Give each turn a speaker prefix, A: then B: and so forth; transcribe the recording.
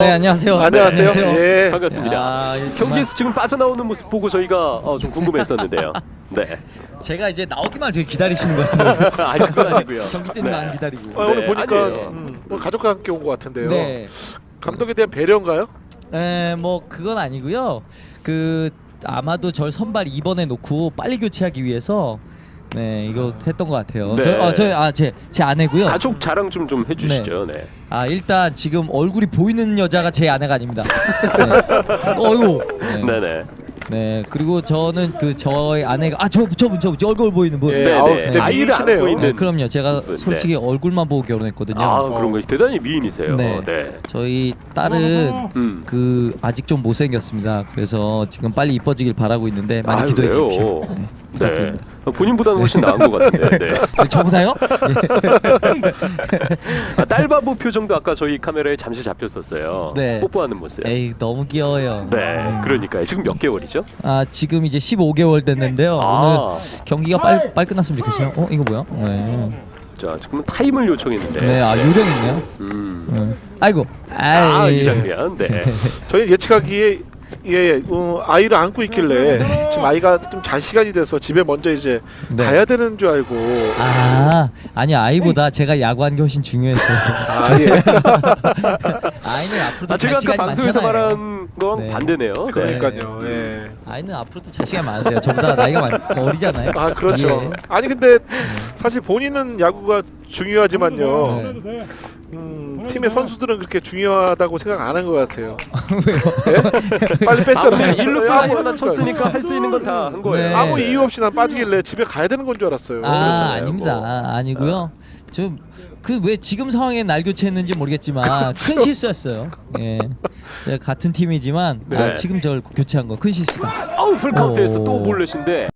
A: 네, 안녕하세요.
B: 안녕하세요.
A: 네,
B: 예.
C: 반갑습니다.
A: 아, 정말
C: 경기에서 지금 빠져나오는 모습 보고 저희가 좀 궁금했었는데요. 네.
A: 제가 이제 나오기만 되게 기다리시는 것 같아요.
C: 아니 그건 아니고요.
A: 경기 때는
C: 네.
A: 안 기다리고.
B: 오늘
C: 네,
B: 보니까
C: 아니에요.
B: 오늘 가족과 함께 온 것 같은데요.
A: 네.
B: 감독에 대한 배려인가요?
A: 뭐 그건 아니고요. 아마도 절 선발 2번에 놓고 빨리 교체하기 위해서 이거 했던 것 같아요.
C: 네.
A: 제 아내고요.
C: 가족 자랑 좀 해주시죠. 네.
A: 일단 지금 얼굴이 보이는 여자가 제 아내가 아닙니다. 네. 어이구. 네.
C: 네네.
A: 네, 그리고 저는 저희 아내가 저 얼굴 보이는 분.
B: 예,
C: 네,
B: 아우,
C: 네.
B: 근데
C: 아이를 안고
B: 미인이시네요.
C: 있는.
A: 네, 그럼요. 제가
C: 네.
A: 솔직히 얼굴만 보고 결혼했거든요.
C: 아 그런 거 대단히 미인이세요.
A: 네.
C: 네.
A: 저희 딸은 아직 좀 못생겼습니다. 그래서 지금 빨리 이뻐지길 바라고 있는데 많이 기도해
C: 왜요?
A: 주십시오. 네,
C: 네.
A: 부탁드립니다.
C: 본인보다는 훨씬 나은 것 같은데. 네.
A: 저보다요?
C: 딸 바보 표정도 아까 저희 카메라에 잠시 잡혔었어요.
A: 네.
C: 뽀뽀하는 모습.
A: 에이, 너무 귀여워요.
C: 네. 그러니까요. 지금 몇 개월이죠?
A: 지금 이제 15개월 됐는데요. 오늘 경기가 빨리 끝났으면 좋겠어요. 이거 뭐야? 네.
C: 자 지금은 타임을 요청했는데.
A: 네, 요령 있네요.
C: 음.
A: 아이고.
C: 이 장면. 네.
B: 저희 예측하기에 아이를 안고 있길래 지금 아이가 좀 잘 시간이 돼서 집에 먼저 이제
A: 네.
B: 가야 되는 줄 알고.
A: 아니 아이보다 제가 야구한 게 훨씬 중요해서.
B: 예.
A: 아이는 앞으로도 잘
C: 제가 아까
A: 시간이
C: 방송에서
A: 많잖아요.
C: 말한 거랑
A: 네.
C: 반대네요. 네.
B: 그러니까요. 예.
A: 아이는 앞으로도 잘 시간이 많은데요. 저보다 나이가 어리잖아요.
B: 그렇죠.
A: 예.
B: 아니 근데 사실 본인은 야구가 중요하지만요.
A: 네.
B: 팀의 선수들은 그렇게 중요하다고 생각 안 한 것 같아요.
A: 왜요?
B: 예? 빨리 뺐잖아요.
C: 일루 플라이 하나 쳤으니까 할 수 있는 건 다 한 거예요.
A: 네.
B: 아무 이유 없이 난 빠지길래 집에 가야 되는 건 줄 알았어요.
A: 아닙니다.
C: 뭐.
A: 아니고요. 좀 왜 지금 상황에 날 교체했는지 모르겠지만 큰 실수였어요. 예. 제가 같은 팀이지만
C: 네.
A: 지금 저를 교체한 건 큰 실수다.
C: 풀카운트에서 또 볼넷인데